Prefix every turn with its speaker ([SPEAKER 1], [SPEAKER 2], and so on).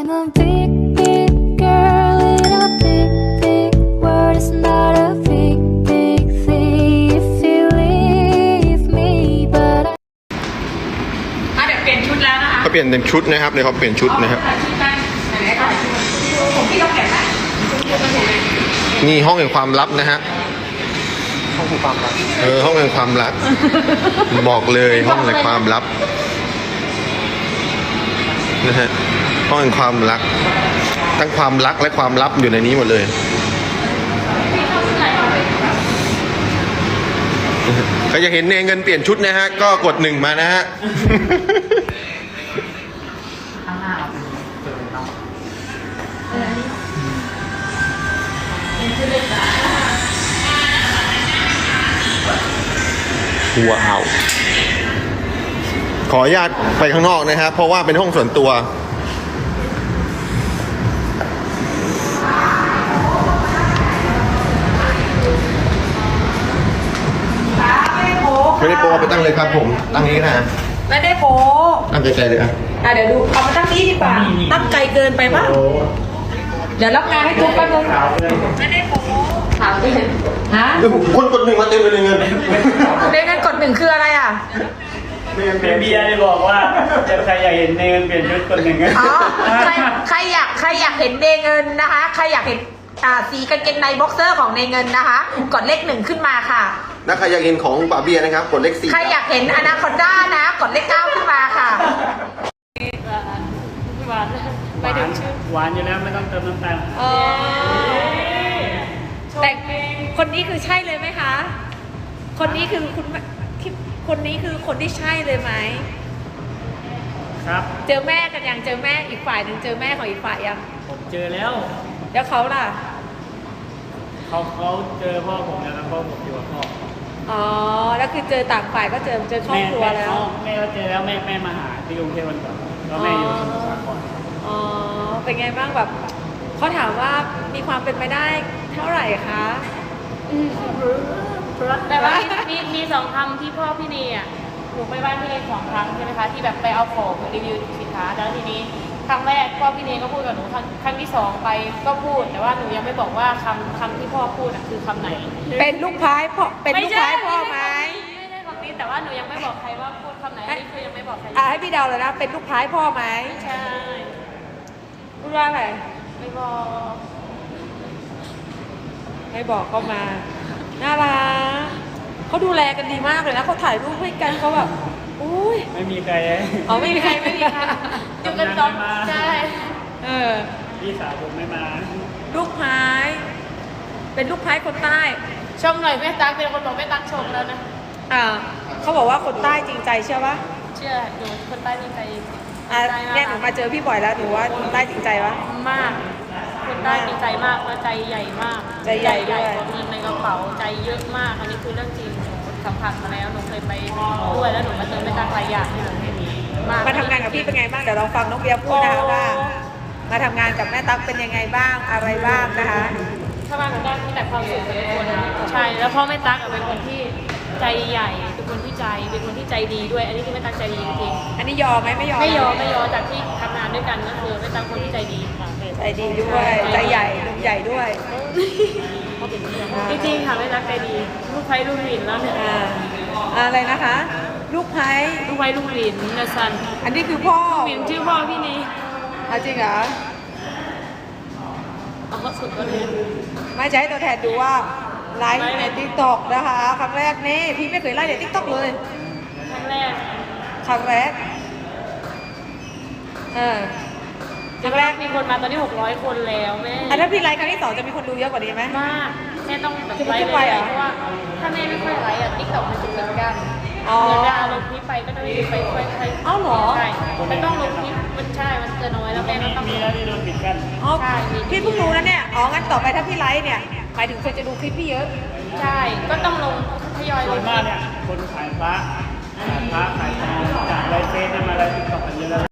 [SPEAKER 1] I'm a big, big girl in a big, big world. It's not a big, big thing if you leave me, but I
[SPEAKER 2] เดี๋ยวเปลี่ยนชุดแล้วนะคะ
[SPEAKER 3] เขาเปลี่ยนเป็นชุดนะครับเลยเขาเปลี่ยนชุดนะครับ
[SPEAKER 2] ชุดกันไหนๆค่ะผมพี่ต้องแกะไหม
[SPEAKER 3] นี่ห้องแห่งความลับนะฮะ
[SPEAKER 4] ห้องคือความรัก
[SPEAKER 3] ห้องแห่งความลับ บอกเลยห้องแห่งความลับนะฮะห้องแห่งความรักทั้งความรักและความลับอยู่ในนี้หมดเลยใครอยากเห็นเงินเปลี่ยนชุดนะฮะก็กด1มานะฮะ
[SPEAKER 4] ข้างหน้าเอาเป็นเจอเนาะ
[SPEAKER 3] ว้าวขออนุญาตไปข้างนอกนะครับเพราะว่าเป็นห้องส่วนตัวไม่ได้โปรไปตั้งเลยครับผมตั้งนี้นะ
[SPEAKER 2] ไม่ได้โป๊
[SPEAKER 3] ตั้งไกลๆเลยอ่ะ
[SPEAKER 2] เดี๋ยวดูเอามาตั้งนี้ดีกว่าตั้งไกลเกินไปป่ะเดี๋ยวรับงานให้ทุกคนเลยไม่ได้โป๊ถามดิฮะ
[SPEAKER 3] คนกด1มาเต็มเลยเงิน
[SPEAKER 2] เงินกด1คืออะไรอ่ะ
[SPEAKER 4] เป็นเบียร์เลยบอกว่าใครอยากเห็นเงินเปลี่ยนชุดคนหนึ่ง
[SPEAKER 2] อ๋อใครอยากเห็นเนเงินนะคะใครอยากเห็นสีกางเกงในบ็อกเซอร์ของเนเงินนะคะกดเลข1ขึ้นมาค่ะ
[SPEAKER 3] ถ้าใครอยากเห็นของป๋าเบียร์นะครับกดเลข4
[SPEAKER 2] ใครอยากเห็นอนาคอนด้านะกดเลข9ขึ้นมาค่ะ
[SPEAKER 4] หวานไปถึงชื่อหวานอยู่แล้วไม่ต้องเติมน้ำตาล
[SPEAKER 2] แต่คนนี้คือใช่เลยไหมคะ คนนี้คือคนนี้คือคนที่ใช่เลยไหม
[SPEAKER 4] ครับ
[SPEAKER 2] เจอแม่กันยังเจอแม่อีกฝ่ายหนึ่งเจอแม่ของอีกฝ่ายยัง
[SPEAKER 4] ผมเจอแล้ว
[SPEAKER 2] แล้วเขาล่ะ
[SPEAKER 4] เขาเจอพ่อผมแล้วพ่อผมอยู่กับพ่อ
[SPEAKER 2] อ๋อแล้วคือเจอต่างฝ่ายก็เจอครอบครัวแล้ว
[SPEAKER 4] แม่ก็เจอแล้วแม่มาหาที่กรุงเทพวันก่อนแล้วแม่อยู่สมุทรสาคร
[SPEAKER 2] อ๋อเป็นไงบ้างแบบเขาถามว่ามีความเป็นไปได้เท่าไหร่คะ
[SPEAKER 5] แต่ว่ามีสองคำที่พ่อพี่เนยอ่ะหนูไปบ้านพี่เนย2 ครั้งใช่ไหมคะที่แบบไปเอาของรีวิวสินค้าแล้วทีนี้ครั้งแรกพ่อพี่เนยก็พูดกับหนูครั้งที่2ไปก็พูด แต่ว่าหนูยังไม่บอกว่าคำที่พ่อพูดอ่ะคือคำไหน
[SPEAKER 2] เป็นลูกพายพ่อเป็นลูกพายพ่อไหม
[SPEAKER 5] ไม่ใช่คำนี้แต่ว่าหนูยังไม่บอกใครว่าพูดคำไหนอันนี้คือยังไม่บอกใคร
[SPEAKER 2] ให้พี่เดาเลยนะเป็นลูกพายพ่อไหม
[SPEAKER 5] ใช่
[SPEAKER 2] พูดว่าอะไร
[SPEAKER 5] ไม่บอก
[SPEAKER 2] ไม่บอกก็มาน่ารักเขาดูแลกันดีมากเลยนะเขาถ่ายรูปให้กันเขาแบบอุ้ย
[SPEAKER 4] ไม่มีใคร
[SPEAKER 2] อ๋อไม่มีใครไม่มีใคร
[SPEAKER 5] จุดกันตอนใช่
[SPEAKER 4] พี่สาวผมไม่มา
[SPEAKER 2] ลูกพายเป็นลูกพายคนใต้
[SPEAKER 5] ชมหน่อยแม่ตั๊กเป็นคนบอกแม่ตั๊กชมแล้วนะ
[SPEAKER 2] เขาบอกว่าคนใต้จริงใจเชื่อปะ
[SPEAKER 5] เชื่อหนูคนใต้มีใคร
[SPEAKER 2] เนี่ยหนูมาเจอพี่บ่อยแล้วหนูว่าคนใต้จริงใจปะ
[SPEAKER 5] มาก คนใต้มีใจมากและใจใหญ่มาก
[SPEAKER 2] ใจใหญ่ด้วย
[SPEAKER 5] กว่าเงินในกระเป๋าใจเยอะมาก อันนี้คือเรื่องจริงหนูสัมผัสมาแล้วหนูเคยไปด้วยแล้วหนูมาเจอแม่ตั๊กหลายอย่างที่หนูเห็นมาก
[SPEAKER 2] มาทำงานกับพี่เป็นไงบ้างเดี๋ยวลองฟังน้องเบียร์พูดนะคะว่า มาทำงานกับแม่ตั๊กเป็นยังไงบ้างอะไรบ้างนะคะ
[SPEAKER 5] ถ้ามาของด้านที่แต่ความสุขเป็นคนใช่แล้วพ่อแม่ตั๊กเป็นคนที่ใจใหญ่เป็นคนที่เป็นคนที่ใจดีด้วย อันนี้คือแม่ตั๊กใจดีจริง
[SPEAKER 2] อันนี้ยอมไหมไม่ยอม
[SPEAKER 5] ไม่ยอมจากที่ทำงานด้วยกันก็คือแม่ตั๊กคนที่ใจดีค่ะ
[SPEAKER 2] ใจดีด้วยใจใหญ่ลุงใหญ่ด้วย
[SPEAKER 5] จริงๆค่ะแม่ตั๊กใจดีลูกไพลูกหลินแล้วเนี่ย
[SPEAKER 2] อะไรนะคะ ลูกไพ
[SPEAKER 5] ลูกไพลูกหลินนะซัน
[SPEAKER 2] อันนี้คือพ่อ
[SPEAKER 5] หลินชื่อพ่อพี่นี่
[SPEAKER 2] จริงเหรอ
[SPEAKER 5] เอาสุดก็เลย
[SPEAKER 2] ไม่จะให้ตัวแทนดูว่าไลฟ์ในทิกตอกนะคะครั้งแรกนี่พี่ไม่เคยไลฟ์ในทิกตอกเลย
[SPEAKER 5] ครั้งแรก
[SPEAKER 2] ครั้งแรกครั้งแรก
[SPEAKER 5] มีคนมาตอนนี้600 คนแล้วแม่
[SPEAKER 2] ถ้าพี่ไลฟ์ครั้งที่2จะมีคนดูเยอะกว่านี้ไหม
[SPEAKER 5] มากแม่ต้องแบบ
[SPEAKER 2] จะ
[SPEAKER 5] ไล
[SPEAKER 2] ขึ้
[SPEAKER 5] ฟ์
[SPEAKER 2] นไปเหรอ
[SPEAKER 5] เพราะว่าถ้าแม่ไม่ค่อยไลฟ์ติ๊กต็อกมันจะเหมือนกัน
[SPEAKER 2] อ๋อ
[SPEAKER 5] เวลาลงคลิปไปก็ต้องไปค่อย
[SPEAKER 2] เอ้าเหรอ
[SPEAKER 5] ใช่มันต้องลงคลิปมันใช่มันจะน้อยแล้วแม่ก็ต้อง
[SPEAKER 4] มีแล้วที่โดนปิดกัน
[SPEAKER 2] อ๋อ
[SPEAKER 5] ใช่มี
[SPEAKER 2] พี่เพิ่งรู้นะเนี่ยอ๋องั้นต่อไปถ้าพี่ไลฟ์เนี่ยหมายถึงคนจะดูคลิปพี่เยอะ
[SPEAKER 5] ใช่ก็ต้องลงทยอยล
[SPEAKER 4] ส่วน
[SPEAKER 5] งค
[SPEAKER 4] มา
[SPEAKER 5] ลิป
[SPEAKER 4] กเนี่ยคนขายพระขายทองจากไลฟ์เฟซมาไลฟ์ติ๊กต็อกกันเยอะแล้ว